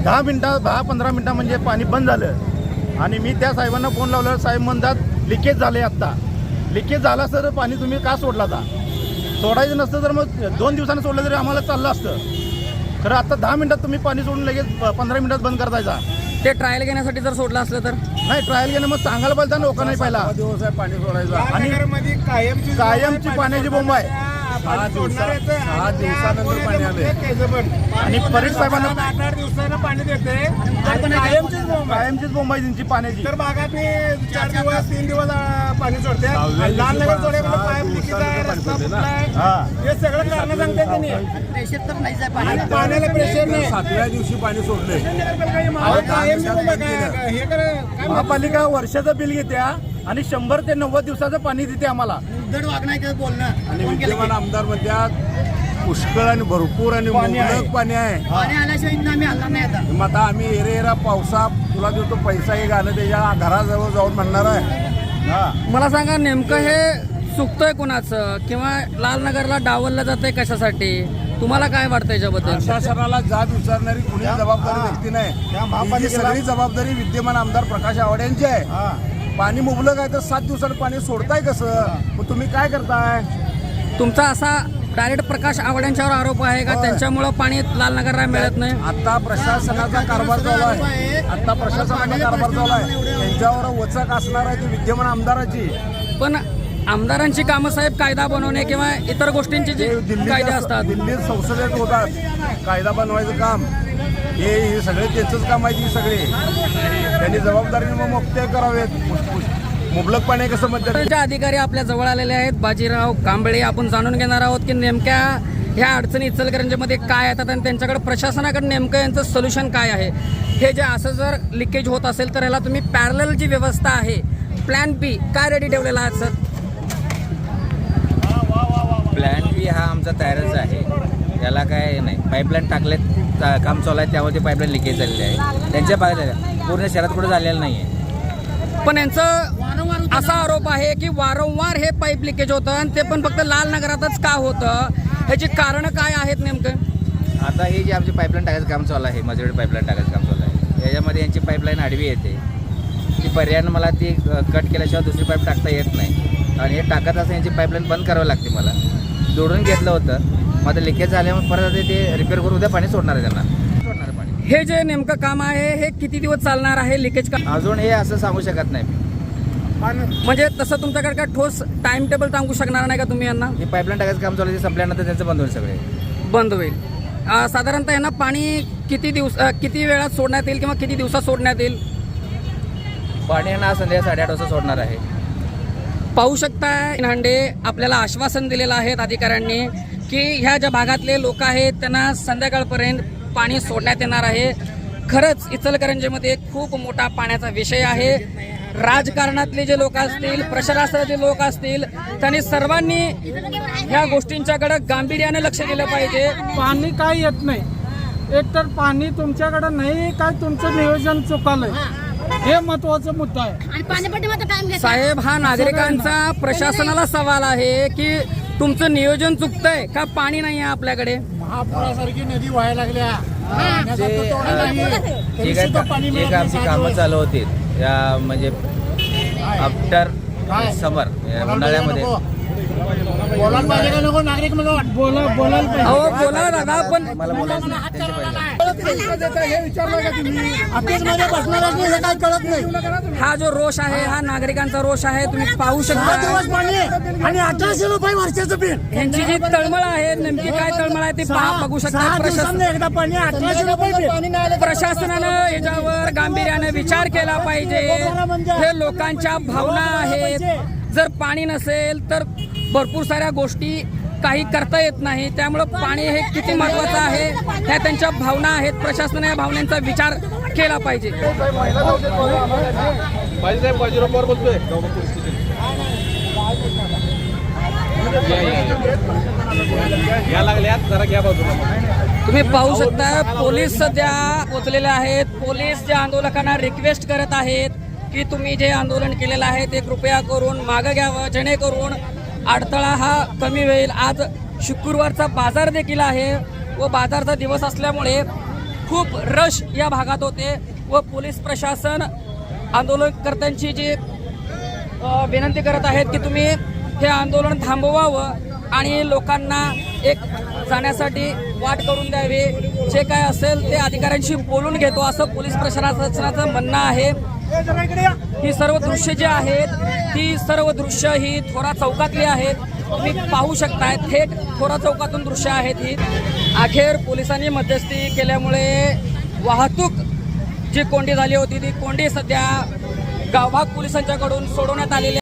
10-15 मिनटं म्हणजे पाणी बंद झालं आणि मी त्या साहेबांना फोन लावला. साहेब म्हणतात लिकेज झाले. आत्ता लिकेज झाला सर, पाणी तुम्ही का सोडला आता? सोडायचं नसतं तर मग 2 दिवसांनी सोडलं तरी आम्हाला चाललं असतं. खरं आता 10 मिनिटात तुम्ही पाणी सोडून लगेच 15 मिनिटात बंद करतायचा. ते ट्रायल घेण्यासाठी जर सोडलं असलं तर नाही, ट्रायल घेणं मग सांगायला पाहिजे ना लोकांना. पहिला दिवस आहे पाणी सोडायचं आणि कायमची पाण्याची बोंब आहे. 6 दिवसानंतर पाणी आले आणि परीट साहेबांना 8 दिवसानं पाणी देते. कायमचीच बोंब आहे त्यांची पाण्याची. तर भागात 4 दिवस 3 दिवस पाणी सोडते. लहान नगर सोडे पाईप लिकेज आहे, रस्ता फुटलाय, हे सगळं कारण सांगते त्यांनी. प्रेशर तर नाहीच आहे आणि पाण्याला प्रेशर नाही. 7व्या दिवशी पाणी सोडले. कायमची बोंब आहे. हे काय महापालिका वर्षाचं बिल घेत्या आणि 100 ते 90 दिवसाचं पाणी देते आम्हाला. बोलणं आणि विद्यमान आमदार म्हणतात पुष्कळ आणि भरपूर आणि मुबलक पाणी आहे. पाणी आल्याशिवाय इथं आम्ही हलणार नाही आता. मग आता आम्ही एरेरा पावसा तुला देतो पैसा हे गाणं त्याच्या घराजवळ जाऊन म्हणणार आहे. मला सांगा नेमकं हे चुकतंय कोणाचं किंवा लालनगरला डावललं जातंय कशासाठी? तुम्हाला काय वाटतं याच्याबद्दल? प्रशासनाला जाब विचारणारी कुणी जबाबदारी व्यक्ती त्या नाही. ही महापालिकेला- सगळी जबाबदारी विद्यमान आमदार प्रकाश आवाड यांची आहे. पाणी मुबलक आहे तर 7 दिवसात पाणी सोडताय कसं? मग तुम्ही काय करताय? तुमचा असा डायरेक्ट प्रकाश आवड्यांच्यावर आरोप आहे का त्यांच्यामुळं पाणी लालनगरला मिळत नाही? आता प्रशासनाचा कारभार चालू आहे. आता प्रशासनाचा कारभार चालू आहे. त्यांच्यावर वचक असणार आहे ती विद्यमान आमदाराची. पण आमदारांची कामं साहेब कायदा बनवणे किंवा इतर गोष्टींचे जे कायदे असतात. दिल्लीत संसदेत होतात कायदा बनवायचं काम. हे सगळे त्यांचंच काम आहे. ती सगळे त्यांनी जबाबदारीने मग मुक्त करावेत. मुबलक पाणी कसं म्हणतात? जे अधिकारी आपल्या जवळ आलेले आहेत, बाजीराव कांबळे, आपण जाणून घेणार आहोत की नेमक्या ह्या अडचणी इचलकरंजीमध्ये काय येतात आणि त्यांच्याकडे प्रशासनाकडे नेमकं यांचं सोल्युशन काय आहे. हे जे असं जर लिकेज होत असेल तर ह्याला तुम्ही पॅरलल जी व्यवस्था आहे, प्लॅन बी काय रेडी ठेवलेला आहे सर? प्लॅन बी हा आमचा तयारच आहे. याला काय नाही, पाईपलाईन टाकलेत, काम चालू आहे, त्यामध्ये पाईपलाईन लिकेज झालेली आहे. त्यांच्या भागात पूर्ण शहरात कुठे झालेलं नाही आहे. पण यांचं असा आरोप आहे की वारंवार हे पाईप लिकेज होतं आणि ते पण फक्त लालनगरातच का होतं? ह्याची कारणं काय आहेत नेमकं? आता हे जे आमची पाईपलाईन टाकायचं काम चालू आहे, मजेड पाईपलाईन टाकायचं काम चालू आहे, याच्यामध्ये यांची पाईपलाईन आडवी येते. ती पर्यायानं मला ती कट केल्याशिवाय दुसरी पाईप टाकता येत नाही आणि हे टाकत असं यांची पाईपलाईन बंद करावी लागते. मला जोडून घेतलं होतं, मग आता लिकेज झाल्यामुळे परत ते रिपेअर करून उद्या पाणी सोडणार आहे. त्यांना सोडणार आहे पाणी. हे जे नेमकं काम आहे हे किती दिवस चालणार आहे लिकेज का? अजून हे असं सांगू शकत नाही. म्हणजे तसं तुमच्याकडे काय ठोस टाइम टेबल सांगू शकणार नाही का तुम्ही यांना? हे पाईपलाईन टाकायचं काम चालू आहे, ते संपल्यानंतर त्यांचं बंद होईल, सगळे बंद होईल. साधारणतः यांना पाणी किती वेळात सोडण्यात येईल किंवा किती दिवसात सोडण्यात येईल? पाणी ना संध्याकाळी 8:30 वाजता सोडणार आहे. पाहू शकताय हांडे आपल्याला आश्वासन दिलेलं आहे अधिकाऱ्यांनी की ह्या ज्या भागातले लोक आहेत त्यांना संध्याकाळपर्यंत पाणी सोडण्यात येणार आहे. खरंच इचलकरंजीमध्ये खूप मोठा पाण्याचा विषय आहे. राजकारणातले जे लोक असतील, प्रशासनाचे लोक असतील, त्यांनी सर्वांनी ह्या गोष्टींच्याकडे गांभीर्याने लक्ष दिलं पाहिजे. पाणी काय येत नाही, एकतर पाणी तुमच्याकडे नाही काय तुमचं नियोजन चुकलंय, हे महत्वाचा मुद्दा आहे. साहेब, हा नागरिकांचा प्रशासनाला सवाल आहे की तुमचं नियोजन चुकतंय का पाणी नाही आहे आपल्याकडे? महापुरासारखी नदी व्हायला लागल्या, एक आमची कामं चालू होती या म्हणजे आफ्टर समर उन्हाळ्यामध्ये. बोलायला पाहिजे का नको नागरिक? मला बोलायला पाहिजे. अहो बोला दादा, पण मला बोलायचं त्यांच्या हा जो रोष आहे हा नागरिकांचा रोष आहे. तुम्ही पाहू शकता आणि 1800 रुपये वर्षाचं बिल. यांची जी तळमळ आहे, नेमकी काय तळमळ आहे ती बघू शकता. एकदा पाणी 1800 रुपये. प्रशासनानं याच्यावर गांभीर्याने विचार केला पाहिजे. हे लोकांच्या भावना आहेत. जर पाणी नसेल तर भरपूर साऱ्या गोष्टी काही करता येत नाही. त्यामुळं पाणी हे किती महत्वाचं आहे ह्या त्यांच्या भावना आहेत. प्रशासनाने या भावनांचा विचार केला पाहिजे. तुम्ही पाहू शकता पोलीस सध्या पोचलेले आहेत. पोलीस ज्या आंदोलकांना रिक्वेस्ट करत आहेत की तुम्ही जे आंदोलन केलेलं आहे ते कृपया करून मागं घ्यावं, जेणेकरून अडथळा हा कमी होईल. आज शुक्रवारचा बाजार देखील आहे व बाजारचा दिवस असल्यामुळे खूप रश या भागात होते व पोलीस प्रशासन आंदोलनकर्त्यांची जी विनंती करत आहेत की तुम्ही हे आंदोलन थांबवावं आणि लोकांना एक जाण्यासाठी वाट करून द्यावी, जे काय असेल ते अधिकाऱ्यांशी बोलून घेतो असं पोलीस प्रशासनाचं म्हणणं आहे. ही सर्व दृश्य जी आहेत ती सर्व दृश्य ही थोरा चौकातली आहेत. तुम्ही पाहू शकताय, थेट थोरा चौकातून दृश्य आहेत ही. अखेर पोलिसांनी मध्यस्थी केल्यामुळे वाहतूक जी कोंडी झाली होती ती कोंडी सध्या गावभाग पोलिसांच्याकडून सोडवण्यात आलेली